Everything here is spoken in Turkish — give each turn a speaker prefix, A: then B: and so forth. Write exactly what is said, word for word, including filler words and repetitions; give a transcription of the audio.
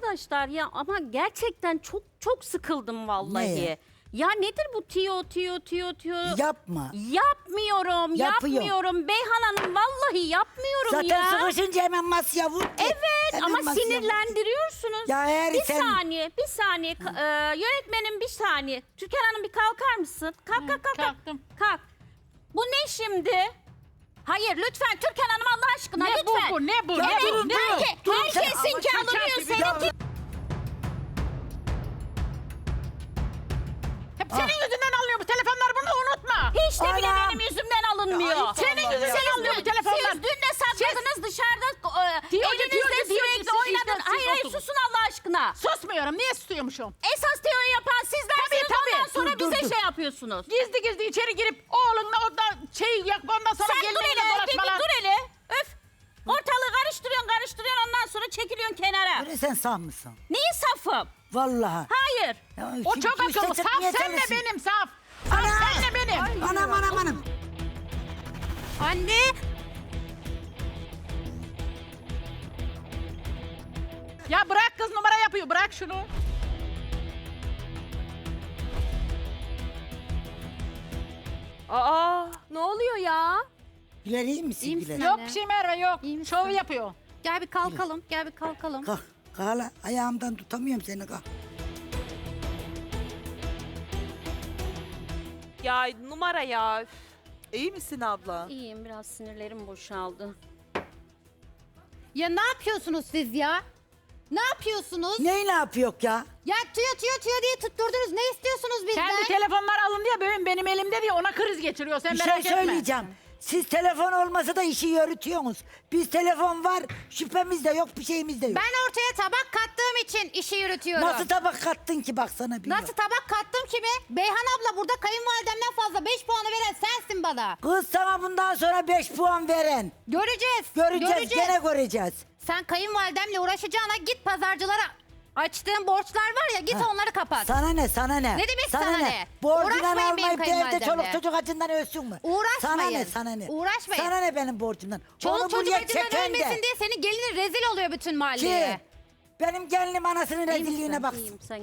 A: arkadaşlar ya ama gerçekten çok çok sıkıldım vallahi.
B: Ne?
A: Ya nedir bu tiyo tiyo tiyo tiyo?
B: Yapma.
A: Yapmıyorum,
B: Yapıyor.
A: yapmıyorum. Beyhan Hanım vallahi yapmıyorum
B: Zaten
A: ya.
B: sıkışınca hemen masaya vur.
A: Evet
B: Hemen
A: ama
B: masaya vur.
A: sinirlendiriyorsunuz.
B: Ya eğer
A: bir
B: sen-
A: saniye, bir saniye. Ka- e, yönetmenim bir saniye. Türkan Hanım bir kalkar mısın? Kalk kalk kalk. kalk.
C: kalktım.
A: Kalk. Bu ne şimdi? Hayır lütfen Türkan Hanım Allah aşkına
C: Ne bu,
A: lütfen.
C: bu, ne bu,
B: Ya
A: Evet,
B: durun, durun.
A: herke-
B: Durun, sen-
A: herkesinki
C: Ama
A: alınıyor
C: şaka gibi.
A: seninki.
C: Hep senin yüzünden alınıyor bu telefonlar, bunu unutma.
A: Hiç de bile
B: Anam.
A: benim yüzümden alınmıyor.
B: Ya,
C: senin
B: Allah
C: yüzünden
B: ya.
C: alınıyor bu
A: Siz,
C: telefonlar.
A: siz dün de sakladınız dışarıda e,
C: Diyordu,
A: elinizde
C: diyordu, diyordu,
A: sürekli
C: siz
A: oynadın.
C: işte,
A: Hayır
C: siz
A: hayır
C: oturun.
A: susun Allah aşkına.
C: Susmuyorum, niye susuyormuşum?
A: Esas teori yapan sizlersiniz
C: Tabii, tabii.
A: ondan sonra
B: Dur, dur,
A: bize
B: dur.
A: şey yapıyorsunuz.
C: Gizli gizli içeri girip oğlunla orada şey yak, ondan sonra
A: Sen dur
C: gelinliğiyle
A: hele, bir
C: dolaşmalar.
A: dur hele. Öf. Ortalığı karıştırıyorsun karıştırıyorsun ondan sonra çekiliyorsun kenara.
B: Öyle sen sağ mısın?
A: Neyi safım?
B: Vallahi.
A: Hayır.
B: Ya,
C: O
B: şimdi
C: çok
B: üste
C: akıllı.
B: çıkmaya
C: Saf senle
B: çalışsın.
C: benim, saf. Saf
B: Ana!
C: senle benim.
B: Anam anam anam.
A: Anne.
C: Ya bırak, kız numara yapıyor, bırak şunu.
D: Aa, ne oluyor ya?
B: Güler iyi misin
E: İyi
B: Güler?
E: misin?
C: Yok
E: Anne.
C: bir şey Merve, yok.
E: İyi misin?
C: Şov yapıyor.
E: Gel bir kalkalım, gel bir kalkalım.
B: Kalk. Kalk hala. Ayağımdan tutamıyorum seni kalk.
D: Ya numara ya. Üf.
F: İyi misin abla?
A: İyiyim biraz sinirlerim boşaldı.
E: Ya ne yapıyorsunuz siz ya? Ne yapıyorsunuz?
B: Neyi ne yapıyor ya?
E: Ya tüyo tüyo tüyo diye tutturdunuz. Ne istiyorsunuz bizden?
C: Kendi telefonlar alın diye benim, benim elimde diye ona kriz geçiriyor, sen
B: Bir
C: merak
B: şey
C: etme.
B: söyleyeceğim. Siz telefon olmasa da işi yürütüyorsunuz. Biz telefon var, şüphemiz de yok, bir şeyimiz de yok.
E: Ben ortaya tabak kattığım için işi yürütüyorum.
B: Nasıl tabak kattın ki baksana bir.
E: Nasıl tabak kattım ki mi? Beyhan abla burada kayınvalidemden fazla beş puanı veren sensin bana.
B: Kız sana bundan sonra beş puan veren.
E: Göreceğiz.
B: Göreceğiz, gene göreceğiz.
E: Sen kayınvalidemle uğraşacağına git pazarcılara açtığın borçlar var ya git
B: Ha,
E: onları kapat.
B: Sana ne, sana ne?
E: Ne demek sana ne?
B: Borcundan
E: Uğraşmayın benim
B: almayıp da evde
E: kayınvalidemle.
B: çoluk çocuk acından ölsün mü?
E: Uğraşmayın.
B: Sana ne, sana ne?
E: Uğraşmayın.
B: Sana ne benim borcumdan?
E: Çoluk
B: Onu
E: çocuk
B: buraya
E: acından
B: çeken de.
E: ölmesin diye senin gelinin rezil oluyor bütün mahalleye.
B: Ki benim gelinim anasının
A: İyi misin?
B: rezilliğine baksın.
A: İyiyim sen